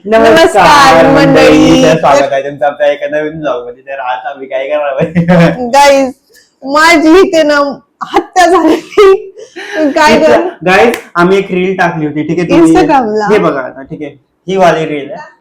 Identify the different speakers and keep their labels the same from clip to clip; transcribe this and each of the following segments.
Speaker 1: नमस्कार मंडळी,
Speaker 2: स्वागत आहे तुमचं आपल्या एका नवीन ब्लॉग मध्ये. तर आज आम्ही काय करणार
Speaker 1: गाईज, माझी इथे ना हत्या झाली. काय
Speaker 2: गाईज, आम्ही एक रील टाकली होती, ठीक आहे,
Speaker 1: इंस्टाग्रामला.
Speaker 2: हे बघा आता, ठीक आहे, ही वाली रील आहे.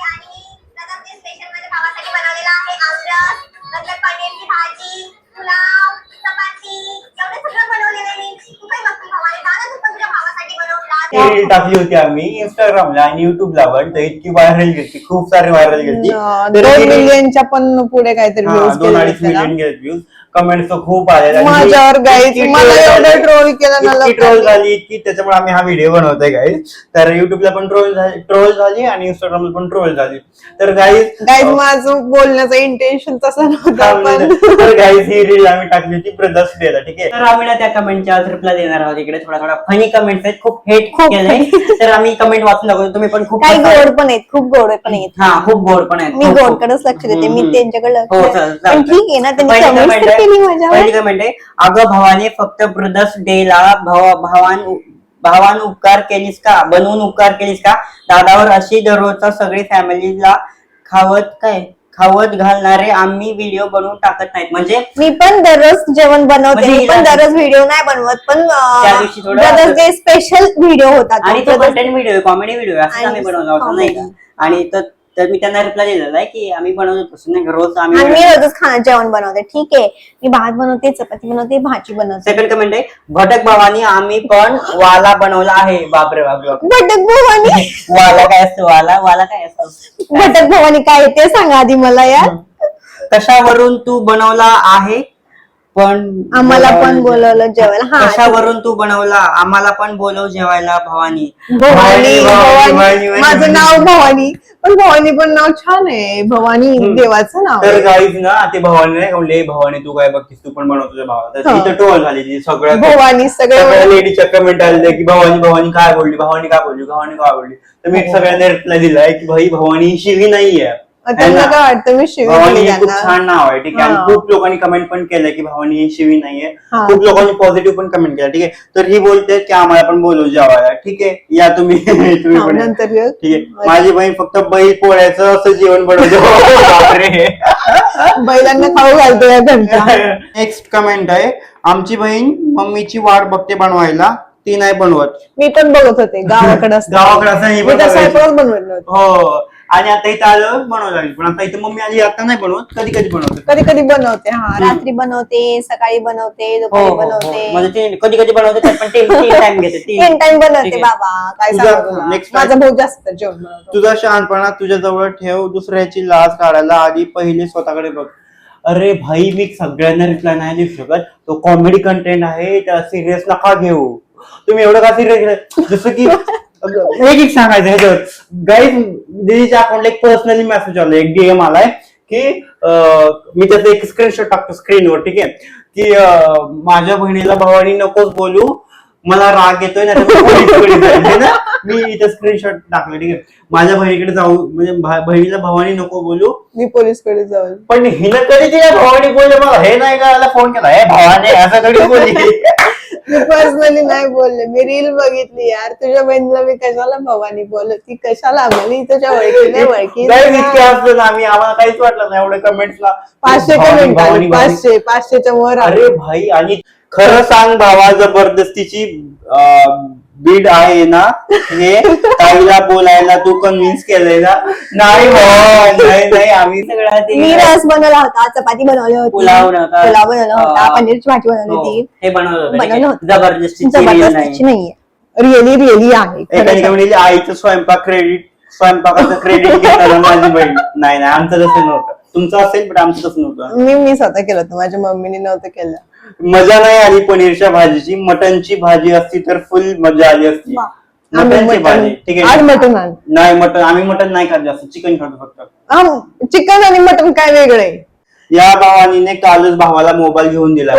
Speaker 2: रील टाकली होती आम्ही इंस्टाग्रामला आणि युट्यूबला, पण तर इतकी व्हायरल गेली, खूप सारी व्हायरल गेली.
Speaker 1: 2 मिलियनच्या पण पुढे काहीतरी व्ह्यूज
Speaker 2: 2-2.5 मिलियन गेले व्ह्यूज. कमेंट्स खूप आले
Speaker 1: माझ्यावर. गाईज, मला एवढं ट्रोल केलं ना,
Speaker 2: ट्रोल झाली की त्याच्यामुळे आम्ही हा व्हिडिओ बनवतोय गाईज. तर युट्यूबला पण ट्रोल झाली आणि इंस्टाग्रामला पण ट्रोल झाली. तर गाईज
Speaker 1: माझं बोलण्याचं इंटेन्शन तसं नव्हतं, पण
Speaker 2: तर गाईज ही रील आम्ही टाकली होती ब्रदर्स डेला, ठीक आहे. तर आम्ही ना त्या कमेंटच्या आज रिप्लाय देणार आहोत. इकडे थोडा फनी कमेंट्स आहेत, खूप हेट केलंय, तर आम्ही कमेंट वाचून दाखवतो. तुम्ही पण खूप
Speaker 1: काही गोड पण आहेत, खूप गोड पण आहेत.
Speaker 2: हा, खूप गोड पण आहेत.
Speaker 1: मी गोडकडेच लक्ष देते, मी त्यांच्याकडे लक्ष देते. पण ठीक आहे ना, त्यांनी
Speaker 2: पहिली
Speaker 1: कमेंट
Speaker 2: comment
Speaker 1: केली माझ्यावर.
Speaker 2: पहिली कमेंट आहे, अगं भावाने फक्त ब्रदर्स डे ला भावान उपकार केलीस का, बनवून उपकार केलीस का, दादावर अशी दररोजचा सगळी फॅमिलीला खावत घालणारे आम्ही व्हिडिओ बनवून टाकत नाहीत. म्हणजे
Speaker 1: मी पण दररोज जेवण बनवते, मी पण दररोज व्हिडिओ नाही बनवत, पण
Speaker 2: त्या दिवशी
Speaker 1: ब्रदर्स डे स्पेशल व्हिडिओ होता
Speaker 2: आणि तो कंटेंट व्हिडिओ, कॉमेडी व्हिडिओ असं आम्ही बनवला होता, नाही का. आणि तर मी त्यांना रिप्लाय दिलेला आहे की आम्ही बनवतो तसं नाही, रोज
Speaker 1: मी रोजच जेवण बनवते, ठीक आहे, मी भात बनवते, चपाती बनवते, भाजी बनवते.
Speaker 2: सेकंड कमेंट आहे, भटक भावानी आम्ही पण वाला बनवला आहे. बापरे बाप.
Speaker 1: भटक भवानी
Speaker 2: वाला काय असतो? वाला काय असतो?
Speaker 1: भटक भवानी काय ते सांगा आधी मला यार.
Speaker 2: कशावरून तू बनवला आहे पण
Speaker 1: आम्हाला पण बोलवलं जेवायला. हा,
Speaker 2: कशावरून तू बनवला, आम्हाला पण बोलव जेवायला भवानी.
Speaker 1: भवानी माझं नाव भवानी, पण भवानी पण नाव छान आहे, भवानी देवाचं नाव.
Speaker 2: तर गाईज ना, ते भवानी नाही म्हणले, भवानी तू काय बघतीस, तू पण बनव तुझ्या भावाला. तर तिथं टोल झाली सगळ्या
Speaker 1: भवानी, सगळ्या
Speaker 2: लेडीजच्या कमेंट आले की भवानी काय बोलली, भवानी काय बोलली. तर मी सगळ्यांना रिप्लाय दिलाय की भाई, भवानी शिवी नाहीये.
Speaker 1: त्यांना काय वाटतं मी शिवी
Speaker 2: भवानी खूप छान नाव आहे, ठीक आहे. आणि खूप लोकांनी कमेंट पण केलं की भवानी ही शिवी नाहीये. खूप लोकांनी पॉझिटिव्ह पण कमेंट केलं, ठीक आहे. तर ही बोलते की आम्हाला पण बोलव जेवायला, ठीक आहे, या तुम्ही पण
Speaker 1: नंतर,
Speaker 2: ठीक आहे. माझी बहीण फक्त बैल पोळ्याचं असं जेवण बनवते.
Speaker 1: बैलांना खाऊ घालतो या घंटा.
Speaker 2: नेक्स्ट कमेंट आहे, आमची बहीण मम्मीची वाट बघते बनवायला, ती नाही बनवत.
Speaker 1: मी पण बघत होते गावाकडे
Speaker 2: असं
Speaker 1: बनवत
Speaker 2: हो. आणि आता इथं आलं बनवायला लागली, पण आता इथे मम्मी आली, आता नाही बनवत, कधी
Speaker 1: कधी बनवते. हा, रात्री बनवते, सकाळी बनवते, दुपारी बनवते,
Speaker 2: म्हणजे कधी बनवते, पण 3 टाइम घेते.
Speaker 1: 3 टाइम बनवते बाबा. काय सांगू, माझा भाऊ जास्त जेवण बनवतो.
Speaker 2: तुझा शहाणपणा तुझ्या जवळ ठेव, दुसऱ्याची लाज काढायला आधी पहिले स्वतःकडे बघ. अरे भाई, मी सगळ्यांना रिप्लाय नाही देऊ शकत, तो कॉमेडी कंटेंट आहे, त्याला सिरियस नका घेऊ. तुम्ही एवढं का सिरियस, जसं की एक सांगायचं ह्याच्यावर. गाईज, दीदीच्या अकाउंटला एक पर्सनली मेसेज आला, एक डीएम आलाय की मी त्याचा एक स्क्रीनशॉट टाकतो स्क्रीनवर, ठीक आहे, की माझ्या बहिणीला भवानी नकोच बोलू, मला राग येतोय ना, मी इथं स्क्रीनशॉट टाकलं, ठीक आहे. माझ्या बहिणीकडे जाऊ, म्हणजे बहिणीला भवानी नको बोलू,
Speaker 1: मी पोलीसकडे जाऊ.
Speaker 2: पण हिनं कधी तिला भवानी बोलले, मला हे नाही करायला फोन केला, हे भवानी असं कधी बोलली.
Speaker 1: मी पर्सनली नाही बोलले, मी रील बघितली यार. तुझ्या बहिणीला मी कशाला भवानी बोलत, ती कशाला बोलली, तुझ्या ओळखी नाही ओळखी
Speaker 2: इतके असलं ना आम्ही, आम्हाला काहीच वाटलं नाही एवढ्या कमेंट्सला.
Speaker 1: 500 कमेंट, 500च्या वर.
Speaker 2: अरे भाई, आणि खरं सांग भावा, जबरदस्तीची बीड आहे ना हे, ताईला बोलायला तू कन्व्हिन्स केलंय ना? नाही नाही, आम्ही सगळं
Speaker 1: मी रस बनवला होता, चपाती बनवली होती, पुलाव बनवला होता, पनीरची भाजी बनवली होती,
Speaker 2: हे बनवलं होतं. जबरदस्तीची
Speaker 1: नाहीये, रिअली आहे.
Speaker 2: आईचं स्वयंपाकाचं क्रेडिट घेताना माझी बहीण. नाही, आमचं तसं नव्हतं. तुमचं असेल पण आमचं तसं नव्हतं.
Speaker 1: मी स्वतः केलं होतं, माझ्या मम्मीने नव्हतं केलं.
Speaker 2: मजा नाही आली पनीरच्या भाजीची. मटनची भाजी असती तर फुल मजा आली असती. मटनची भाजी, ठीक आहे.
Speaker 1: मटन
Speaker 2: नाही, मटन आम्ही मटन नाही खात जास्त, चिकन खातो फक्त.
Speaker 1: चिकन आणि मटन काय वेगळे?
Speaker 2: या भावानीने कालच भावाला मोबाईल घेऊन दिला.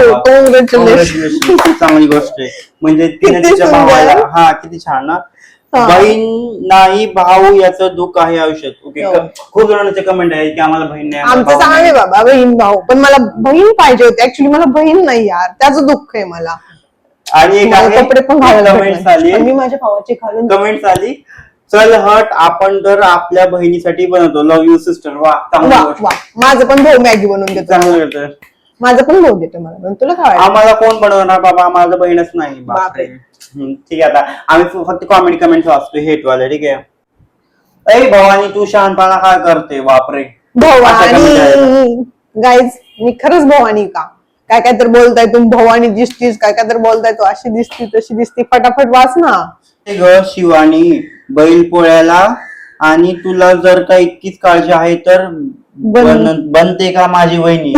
Speaker 2: चांगली गोष्ट आहे, म्हणजे तिने तिच्या भावाला. हा, किती छान ना. बहीण नाही भाऊ याचं दुःख आहे आयुष्यात. ओके, खूप जणांचे कमेंट आहे की आम्हाला बहीण नाही.
Speaker 1: आमचं चांगले बाबा, बहीण भाऊ, पण मला बहीण पाहिजे होती. ऍक्च्युली मला बहीण नाही यार, त्याचं दुःख आहे मला.
Speaker 2: आणि एक
Speaker 1: कपडे पण घालायला
Speaker 2: कमेंट्स आली,
Speaker 1: मी माझ्या भावाचे घालून
Speaker 2: कमेंट्स आली, चल हट, आपण तर आपल्या बहिणीसाठी बनवतो. Love you sister. वा, चांगली
Speaker 1: वा
Speaker 2: गोष्ट.
Speaker 1: वा, माझं पण भाऊ मॅगी बनवून देतो.
Speaker 2: चांगलं करतं.
Speaker 1: माझं पण भाऊ देतो मला, पण तुला काय वाटतं?
Speaker 2: आम्हाला कोण बनवणार बाबा, आम्हाला तर बहीणच नाही. बापरे. ठीक आहे, आता आम्ही फक्त कॉमेडी कमेंट वाचतो हेटवाले. ठीक आहे. ऐ भवानी, तू शहाणपणा काय करते? बापरे.
Speaker 1: भवानी गाईज, मी खरंच भवानी का? काय काय तर बोलताय तुम्ही, भवानी दिसतीस, काय काय तर बोलताय तू, अशी दिसती तशी दिसती, फटाफट वाच ना.
Speaker 2: ग शिवानी, बैल पोळ्याला आणि तुला जर का इतकीच काळजी आहे तर बनते का माझी वहिनी?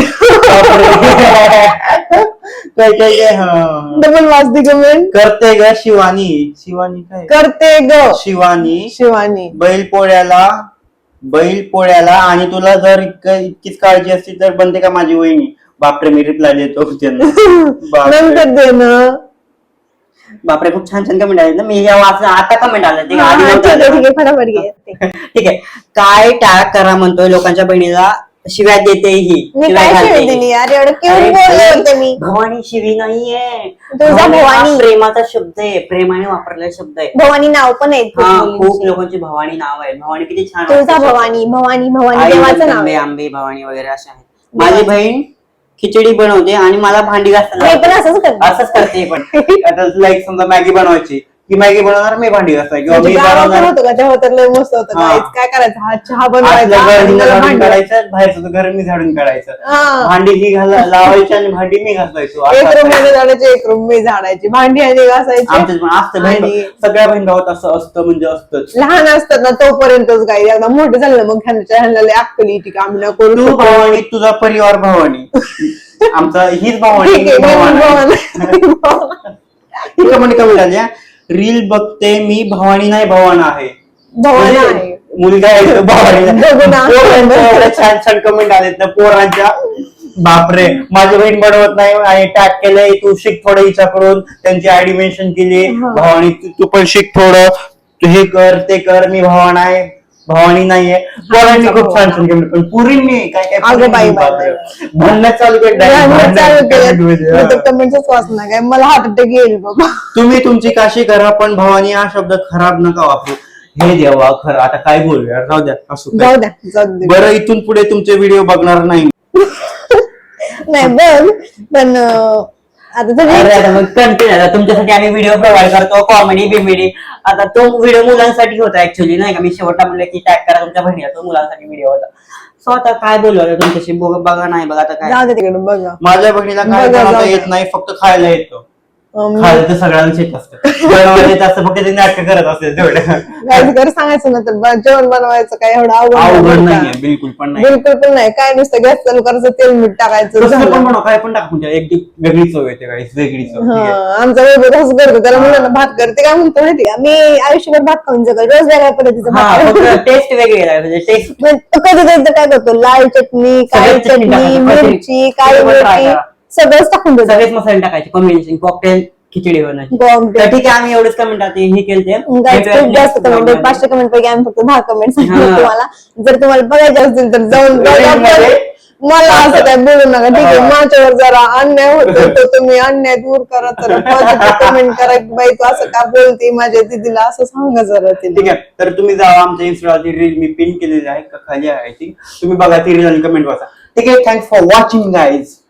Speaker 2: काय काय काय
Speaker 1: डबल वाचती कमेंट.
Speaker 2: करते ग शिवानी. शिवानी काय
Speaker 1: करते ग
Speaker 2: शिवानी?
Speaker 1: शिवानी
Speaker 2: बैल पोळ्याला आणि तुला जर इतकीच काळजी असती तर बनते का माझी वहिनी? बापरे, मी रिप्लाय देतो त्यांना.
Speaker 1: नंतर दे ना.
Speaker 3: बापरे, खूप छान छान कमेंट आले ना. मी या वाचलं आता कमेंट आलं ते
Speaker 1: हा,
Speaker 3: आधी
Speaker 1: ठीक
Speaker 3: नव्हतं
Speaker 1: आहे,
Speaker 3: आलं.
Speaker 1: ठीक आहे, फटाफट घे.
Speaker 3: ठीक आहे. काय टाळक करा म्हणतोय, लोकांच्या बहिणीला शिव्या देते ही.
Speaker 1: मी
Speaker 3: शिव्या
Speaker 1: काय
Speaker 3: घालते
Speaker 1: शिवी
Speaker 3: ही.
Speaker 1: दिली यार, एवढं
Speaker 3: अरे
Speaker 1: क्यूट बोलले
Speaker 3: भाई,
Speaker 1: होते मी.
Speaker 3: भवानी शिवी नाहीये.
Speaker 1: तुझा
Speaker 3: हा
Speaker 1: भवानी.
Speaker 3: प्रेमाचा शब्द आहे, प्रेमाने वापरलेला शब्द आहे.
Speaker 1: भवानी नाव पण आहे खूप
Speaker 3: हा,
Speaker 1: मुलींची.
Speaker 3: खूप लोकांची भवानी नाव आहे. भवानी किती छान
Speaker 1: तुळजा
Speaker 3: वाटतं.
Speaker 1: भवानी, भवानी भवानी
Speaker 3: आई
Speaker 1: देवाचं नाव
Speaker 3: जगदंबे,
Speaker 1: आहे.
Speaker 3: आंबे भवानी वगैरे असे आहेत. माझी बहीण खिचडी बनवते आणि मला भांडी
Speaker 1: मी
Speaker 3: घासताना
Speaker 1: पण असंच करते.
Speaker 3: असंच करते पण.
Speaker 2: आता लाईक समजा मॅगी बनवायची, की मॅगी बनवणार, मी भांडी घासणार किंवा
Speaker 1: म्हणजे
Speaker 2: मी
Speaker 1: गावाकडे
Speaker 2: बनवणार.
Speaker 1: होतं का तेव्हा तर लय मस्त होतं.
Speaker 2: हा.
Speaker 1: गाईच काय करायचं, हा चहा
Speaker 2: आतलं
Speaker 1: बनवायचा
Speaker 2: घर
Speaker 1: आणि
Speaker 2: मी
Speaker 1: मला
Speaker 2: झाडून
Speaker 1: भांडी
Speaker 2: काढायचं, बाहेरचं घर मी झाडून काढायचं,
Speaker 1: हा.
Speaker 2: भांडी ही लावायची आणि भांडी मी घासायचो. असं
Speaker 1: एक रूम
Speaker 2: असायचं.
Speaker 1: मध्ये झाडायची, एक रूम मी झाडायची, भांडी आणि घासायची.
Speaker 2: आमच्यात पण असतं बहीण
Speaker 1: आणि-
Speaker 2: सगळ्या बहीण भावात असं असतं, म्हणजे असतंच.
Speaker 1: लहान असतात ना तोपर्यंतच गाई, एकदा मोठे झालं मग ह्यांना लय अक्कल येते की आम्ही ना करू
Speaker 2: तू
Speaker 1: शकतो.
Speaker 2: भवानी, तुझा परिवार भवानी, आमचा हीच भवानी.
Speaker 1: ठीक आहे,
Speaker 2: मी भवानी.
Speaker 1: भवानी
Speaker 2: ही कमेंट कमी झाली. रील बघते मी, भवानी नाही भवाना आहे.
Speaker 1: भवानी
Speaker 2: म्हणजे
Speaker 1: आहे.
Speaker 2: मुलगा आहे तो भवानी.
Speaker 1: बघू ना.
Speaker 2: पोरांच्या एवढ्या छान छान कमेंट आलेत ना पोरांच्या. बापरे, माझी बहीण बनवत नाही आणि टॅग केलंय, तू शिक थोडं हिच्याकडून. त्यांची आयडी मेन्शन केली,
Speaker 1: हा.
Speaker 2: भवानी तू पण शिक थोडं, तू हे कर ते कर, मी भवाना आहे भवानी नाहीये. पोरांनी खूप छान छान कमेंट, पण पुरींनी काय काय
Speaker 1: अगं बाई,
Speaker 2: पुरींनी,
Speaker 1: बाई,
Speaker 2: बापरे.
Speaker 1: बाई.
Speaker 2: भांडणं चालू केलं
Speaker 1: चालू केलं
Speaker 2: comment
Speaker 1: कमेंटच वाचणार काय, मला हार्ट अटॅक येईल बाबा.
Speaker 2: तुम्ही तुमची काशी करा, पण भवानी हा शब्द खराब नका वापरू. हे देवा, खरं आता काय बोलूया, राहू द्या असू
Speaker 1: जाऊ
Speaker 2: काय.
Speaker 1: द्या, जाऊ दे.
Speaker 2: बरं, इथून पुढे तुमचे व्हिडिओ बघणार नाही.
Speaker 1: नाही बघ, पण आता
Speaker 3: अरे
Speaker 1: तुम्ही
Speaker 3: आता मग कंटिन्यू आता तुमच्यासाठी आम्ही व्हिडिओ प्रोव्हाइड करतो, कॉमेडी बिमेडी. आता तो व्हिडिओ मुलांसाठी होता ऍक्च्युअली, नाही का. मी शेवटला म्हणलं की टॅग करा तुमच्या बहिणीला, तो मुलांसाठी व्हिडिओ होता. सो आता काय बोलू आता तुमच्याशी, बघा नाही बघा आता काय.
Speaker 1: जाऊ दे तिकडे बघा.
Speaker 2: माझ्या बहिणीला काय
Speaker 1: बघा,
Speaker 2: बनवता
Speaker 1: जाऊ
Speaker 2: येत
Speaker 1: द्या.
Speaker 2: नाही, फक्त खायला येतं.
Speaker 1: मी-
Speaker 2: खायला तर सगळ्यांना येत असतं, बनवायला येत असतं, फक्त ते नाटक करत असते तेवढं.
Speaker 1: गाईज घर सांगायचं ना तर जेवण बनवायचं काय एवढं
Speaker 2: अवघड
Speaker 1: अवघड
Speaker 2: नाहीये, बिलकुल पण नाही.
Speaker 1: बिलकुल पण नाही. काय नुसतं गॅस चालू करायचं, तेल मीठ टाकायचं,
Speaker 2: कसं पण
Speaker 1: झालं.
Speaker 2: बनव, काय पण टाक, म्हणजे एक वेगळी चव येते, काही वेगळी चव. ठीक
Speaker 1: हा,
Speaker 2: आहे.
Speaker 1: आमचा वेळ तसं करतो, त्याला मुलांना भात करते काय म्हणतो माहिती का, मी आयुष्यभर भात खाऊन जगल, रोज वेगळ्या पद्धतीचा
Speaker 3: हा,
Speaker 1: भात
Speaker 3: फक्त टेस्ट वेगळी आहे, म्हणजे टेस्ट.
Speaker 1: कधी कधी तर काय करतो, लाल चटणी, काळी
Speaker 3: सगळ्यात चटणी
Speaker 1: चटणी,
Speaker 3: टाकायची,
Speaker 1: मिरची, काळी
Speaker 3: सगळं try
Speaker 1: मिरची,
Speaker 3: करा.
Speaker 1: सगळंच टाकून देतो.
Speaker 3: सगळेच मसाले टाकायचे, कॉम्बिनेशन कॉकटेल खिचडी बनवायची.
Speaker 1: Bomb
Speaker 3: तर ठीक आहे, आम्ही एवढेच कमेंट आता हे केलते.
Speaker 1: Guys, खूप जास्त कमेंट आहेत, 500 कमेंट पैकी आम्ही फक्त 10 कमेंट सांगितले
Speaker 3: हा.
Speaker 1: तुम्हाला. जर तुम्हाला बघायचे असतील तर जाऊन बघा.
Speaker 2: Link मध्ये.
Speaker 1: मला असं काय बोलू नका, ठीक आहे. माझ्यावर जरा अन्याय होतो तर तुम्ही अन्याय दूर करा, तर कमेंट करा की बाई तू असं का बोलते माझ्या दिदीला, असं सांगा जरा
Speaker 2: ठीक
Speaker 1: तिला.
Speaker 2: आहे, तर तुम्ही जावा, आमच्या इंस्टाची रील मी पिन केलेली आहे, खाली आहे ती, तुम्ही बघा ती रील आणि कमेंट वाचा. ठीक आहे, थँक्स फॉर वॉचिंग गाईज.